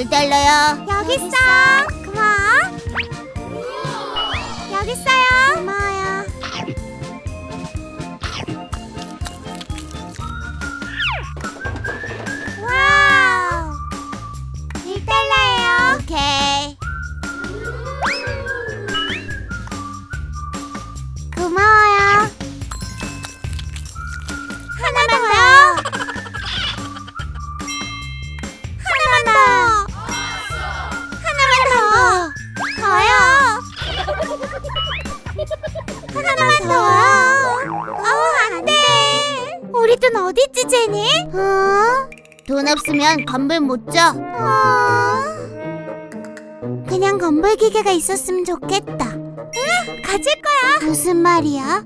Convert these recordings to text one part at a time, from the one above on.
$1요. 여기 있어. 고마워. 여기 있어요. 고마워요. 와우. $1예요. 오케이. 고마워요. 하나만 더. 하나만 더. 하나만 더. 더요. 하나만 더요. 안 돼. 우리 돈 어디 있지, 제니? 돈 없으면 건물 못 줘. 그냥 건물 기계가 있었으면 좋겠다. 응, 가질 거야. 무슨 말이야?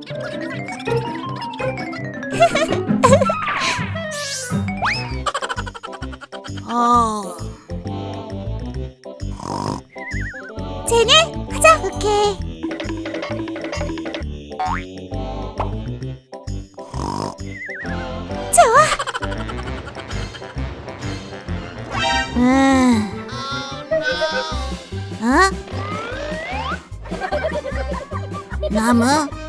제니, 가자. 오케이. 좋아. 나무?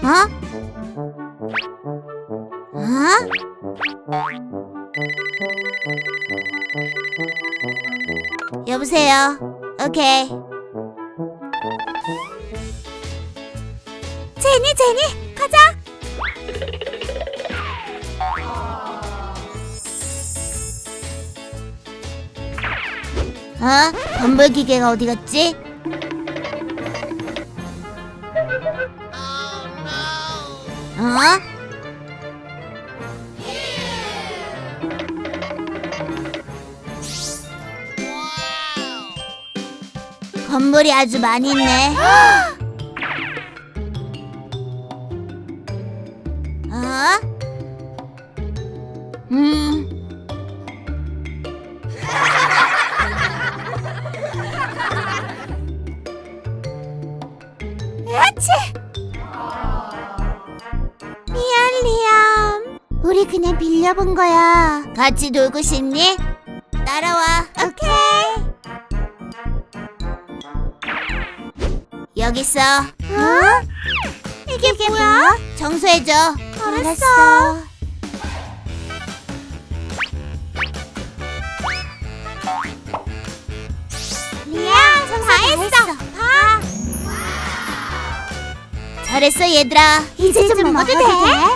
여보세요. 오케이. 제니, 가자. 건물 기계가 어디 갔지? 건물이 아주 많이 있네. 야치! 미안, 리암. 우리 그냥 빌려본 거야. 같이 놀고 싶니? 따라와. 오케이. 여기 있어. 이게 뭐야? 청소해줘. 알았어. 리암, 다 했어. 봐. 잘했어 얘들아. 이제 좀 먹어도 돼?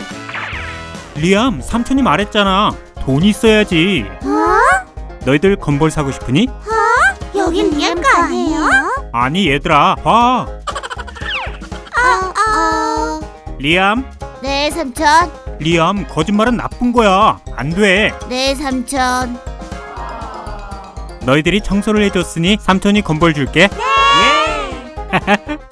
리암, 삼촌이 말했잖아. 돈 있어야지. 너희들 건볼 사고 싶으니? 여긴 리암 거 아니에요? 아니 얘들아, 봐. 리암, 네 삼촌. 리암, 거짓말은 나쁜 거야. 안 돼. 네 삼촌. 너희들이 청소를 해줬으니 삼촌이 건볼 줄게. 네. 예.